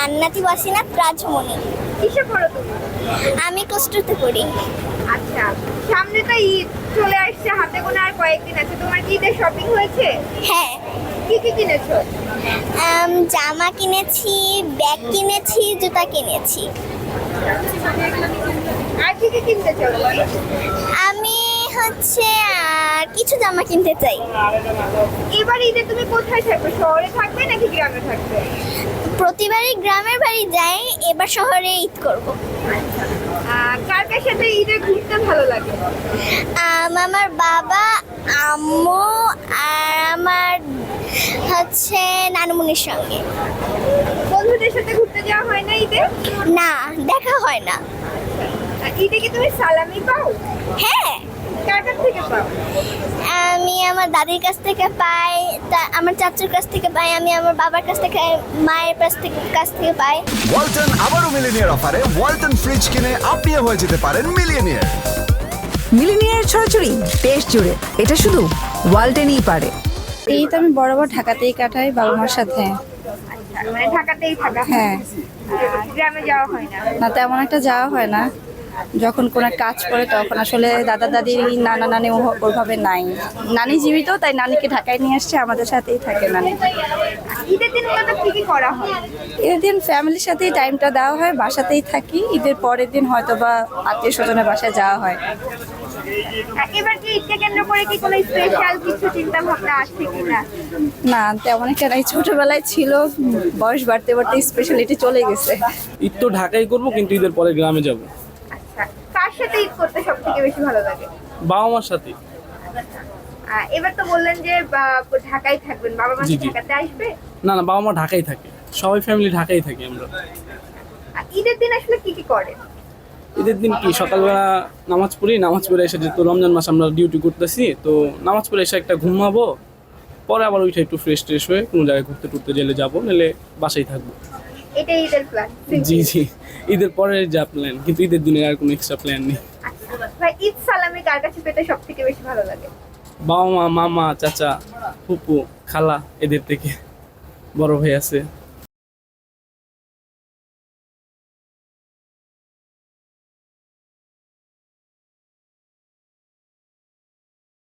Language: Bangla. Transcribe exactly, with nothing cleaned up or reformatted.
জান্নাতি ওয়াসিনাত রাজমণি। কিসে পড়ো তুমি? আমি কষ্টতে পড়ি। আচ্ছা, সামনে তো ঈদ চলে আসছে, হাতে গোনা আর কয়েকদিন আছে। তোমার কি ঈদের শপিং হয়েছে? হ্যাঁ, কি কি কিনেছো? আম, জামা কিনেছি, ব্যাগ কিনেছি, জুতা কিনেছি। আর কি কি কিনতে চাও তুমি? আমি হচ্ছে আর কিছু জামা কিনতে চাই। এবার ঈদে তুমি কোথায় থাকবে? শহরে থাকবে নাকি গ্রামে থাকবে? প্রতিবারই গ্রামের বাড়ি যাই, এবার শহরে ঈদ করব। আহ, কার কার সাথে ঈদে ঘুরতে ভালো লাগে? আম, আমার বাবা, আম্মু আর আমার হচ্ছে নানুমনির সঙ্গে। বন্ধুদের সাথে ঘুরতে যাওয়া হয় না ঈদে? না, দেখা হয় না। আহ, ঈদে কি তুমি সালামি পাও? হ্যাঁ, কার কাছ থেকে পাও? আমি আমার দাদির কাছ থেকে পাই, তা আমার চাচুর কাছ থেকে পাই, আমি আমার বাবার কাছ থেকে, মায়ের কাছ থেকে কাছ থেকে পাই। ওয়ালটন আবারও মিলিনিয়ার অফারে ওয়ালটন ফ্রিজ কিনে আপনিও হয়ে যেতে পারেন মিলিয়নিয়ার। মিলিনিয়ার ছড়াছড়ি দেশ জুড়ে, এটা শুধু ওয়ালটেনই পারে। এই তো আমি বরাবর ঢাকাতেই কাটাই বাবা মার সাথে। আচ্ছা, মানে ঢাকাতেই থাকা হয়? হ্যাঁ, আহ, গ্রামে যাওয়া হয় না? না তেমন একটা যাওয়া হয় না। যখন কোনো কাজ করে তখন আসলে দাদা দাদি নানা নানি ও- ওইভাবে নাই। নানি জীবিত, তাই নানিকে ঢাকায় নিয়ে আসছে, আমাদের সাথেই থাকে নানি। ঈদের দিন মূলত কি কি করা হয়? ঈদের দিন ফ্যামিলির সাথেই টাইমটা দেওয়া হয়, বাসাতেই থাকি। ঈদের পরের দিন হয়তো বা আত্মীয় স্বজনের বাসায় যাওয়া হয়। আহ, এবার কি ঈদকে কেন্দ্র করে কি কোনো স্পেশাল কিছু চিন্তা ভাবনা আছে কিনা? না তেমন একটা নাই, ছোটবেলায় ছিল, বয়স বাড়তে বাড়তে স্পেশালিটি চলে গেছে। ঈদ তো ঢাকায় করবো, কিন্তু ঈদের পরে গ্রামে যাব আচ্ছা, কার সাথে ঈদ করতে সব থেকে বেশি ভালো লাগে? বাবা মার সাথে। আহ, এবার তো বললেন যে বা, ঢাকায় থাকবেন, বাবা মা জি, কি জি। ঢাকাতে আসবে? না না, বাবা মা ঢাকায় থাকে, সবাই ফ্যামিলি ঢাকায় থাকি আমরা। আহ, ঈদের দিন আসলে কি কি করেন? ঈদের দিন কি সকালবেলা নামাজ পড়ি, নামাজ পড়ে এসে যেহেতু রমজান মাস আমরা ডিউটি করতেছি, তো নামাজ পড়ে এসে একটা ঘুমাবো, পরে আবার ওইটা একটু ফ্রেশ ট্রেশ হয়ে কোনো জায়গায় ঘুরতে টুরতে গেলে যাবো, নাহলে বাসায় থাকবো। এটাই ঈদের প্ল্যান? জি জি, ঈদের পরে যা প্ল্যান, কিন্তু ঈদের দিনে আর কোনো এক্সট্রা প্ল্যান নেই। আচ্ছা, ভাই ঈদ সালামি কার কাছে পেতে সব থেকে বেশি ভালো লাগে? বাবা মা, মামা, চাচা, ফুপু, খালা, এদের থেকে। বড় ভাই আছে।